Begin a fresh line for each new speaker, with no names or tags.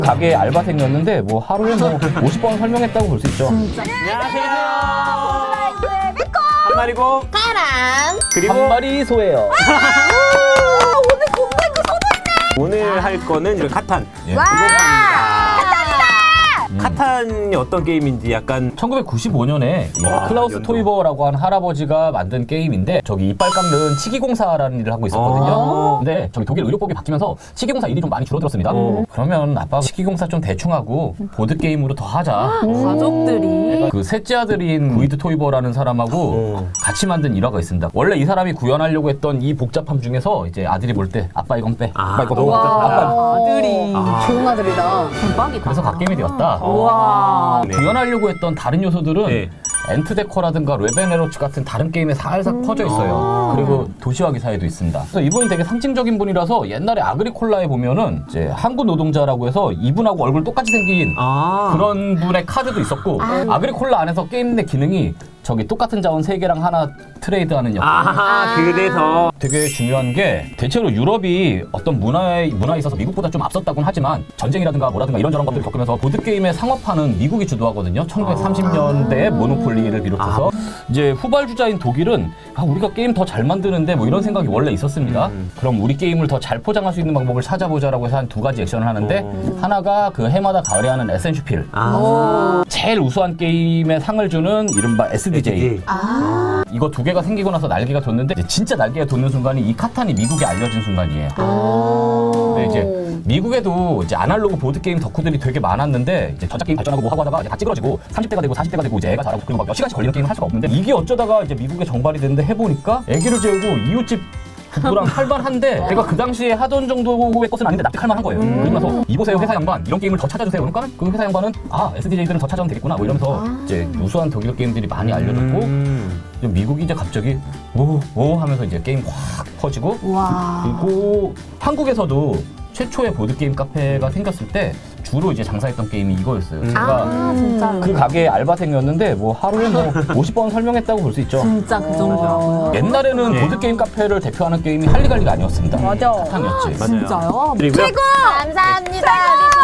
가게 알바생이었는데 뭐 하루에 뭐 50번 설명했다고 볼 수 있죠.
안녕하세요. 한 마리고
바람.
그리고
한 마리 소예요.
오늘 공부했고 서도 있네.
오늘 할 거는 이런 카탄.
예.
와.
카탄이 어떤 게임인지 약간
1995년에
와,
클라우스
연도.
토이버라고 하는 할아버지가 만든 게임인데 저기 이빨 깎는 치기공사라는 일을 하고 있었거든요. 근데 저기 독일 의료법이 바뀌면서 치기공사 일이 좀 많이 줄어들었습니다. 그러면 아빠가 치기공사 좀 대충 하고 보드 게임으로 더 하자.
가족들이.
그 셋째 아들인 구이드 토이버라는 사람하고 같이 만든 일화가 있습니다. 원래 이 사람이 구현하려고 했던 이 복잡함 중에서 이제 아들이 볼 때 아빠 이건 빼, 아빠 이거 넣어, 아빠
아들이. 좋은 아들이다. 대박이다.
그래서 갓게임이 되었다.
와.
네.
구현하려고 했던 다른 요소들은
네.
엔트데커라든가 레벤에로츠 같은 다른 게임에 살살 퍼져 있어요. 그리고 도시화 기사에도 있습니다. 그래서 이분이 되게 상징적인 분이라서 옛날에 아그리콜라에 보면은 이제 항구 노동자라고 해서 이분하고 얼굴 똑같이 생긴 그런 분의 카드도 있었고 아그리콜라 안에서 게임 내 기능이 저기 똑같은 자원 3개랑 하나 트레이드하는 역할.
그래서
되게 중요한 게 대체로 유럽이 어떤 문화에 있어서 미국보다 좀 앞섰다고는 하지만 전쟁이라든가 뭐라든가 이런저런 것들을 겪으면서 보드게임의 상업화는 미국이 주도하거든요. 1930년대에 모노폴리를 비롯해서 이제 후발주자인 독일은 우리가 게임 더 잘 만드는데 뭐 이런 생각이 원래 있었습니다. 그럼 우리 게임을 더 잘 포장할 수 있는 방법을 찾아보자라고 해서 한 2가지 액션을 하는데 하나가 그 해마다 가을에 하는 에센슈필 제일 우수한 게임에 상을 주는 이른바 SDJ. 이거 2개가 생기고 나서 날개가 돋는데 이제 진짜 날개가 돋는 순간이 이 카탄이 미국에 알려진 순간이에요. 근데 이제 미국에도 이제 아날로그 보드 게임 덕후들이 되게 많았는데 이제 전자 게임 발전하고 뭐 하고 하다가 이제 다 찌그러지고 30대가 되고 40대가 되고 이제 애가 자라고 그리고 막 몇 시간씩 걸리는 게임을 할 수가 없는데 이게 어쩌다가 이제 미국에 정발이 됐는데 해보니까 애기를 재우고 이웃집 부부랑 할만한데 내가 그 당시에 하던 정도의 것은 아닌데 납득할 만한 거예요. 그러고 나서 이보세요 회사 양반 이런 게임을 더 찾아주세요. 그러니까 그 회사 양반은 SDJ들은 더 찾아오면 되겠구나 뭐 이러면서 이제 우수한 독일 게임들이 많이 알려졌고 미국이 이제 갑자기 오 하면서 이제 게임 확 퍼지고 그리고 한국에서도 최초의 보드게임 카페가 생겼을 때 주로 이제 장사했던 게임이 이거였어요. 제가
진짜.
그 가게 알바생이었는데 뭐 하루에 뭐 50번 설명했다고 볼 수 있죠.
진짜 그 정도라고요.
옛날에는
네.
보드게임 카페를 대표하는 게임이 할리갈리가 아니었습니다.
맞아.
카탄이었지.
맞아요.
진짜요?
그리고요.
감사합니다.